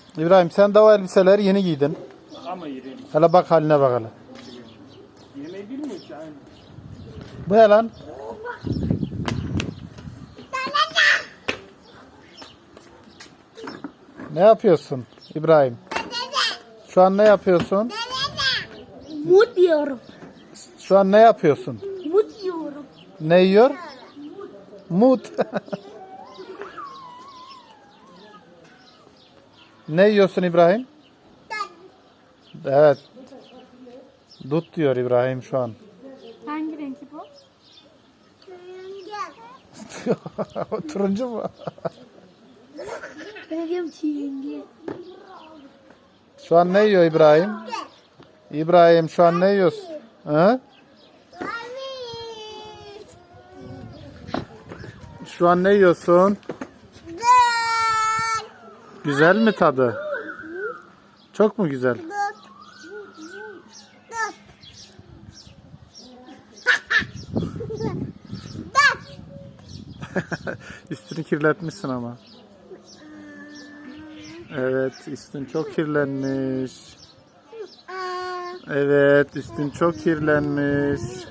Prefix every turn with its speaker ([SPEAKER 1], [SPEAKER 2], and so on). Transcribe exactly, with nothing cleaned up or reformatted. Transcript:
[SPEAKER 1] İbrahim sen de o elbiseleri yeni giydin.
[SPEAKER 2] Ama yerim.
[SPEAKER 1] Hele bak haline bak hele.
[SPEAKER 2] Yemeği bilmiyor ki aynı.
[SPEAKER 1] Bu ne lan? Ne yapıyorsun İbrahim? Şu an ne yapıyorsun?
[SPEAKER 3] Mut diyorum.
[SPEAKER 1] Şu an ne yapıyorsun?
[SPEAKER 3] Mut diyorum.
[SPEAKER 1] Ne yiyor? Mut. Ne yiyorsun İbrahim? Evet. Dut diyor İbrahim şu an.
[SPEAKER 3] Hangi renkli bu?
[SPEAKER 1] O turuncu mu?
[SPEAKER 3] Ben diyorum çiğngi.
[SPEAKER 1] Şu an ne yiyor İbrahim? İbrahim şu an ne yiyorsun? Hı? Şu an ne yiyorsun? Güzel mi tadı? Çok mu güzel? Üstünü kirletmişsin ama. Evet, üstün çok kirlenmiş. Evet, üstün çok kirlenmiş.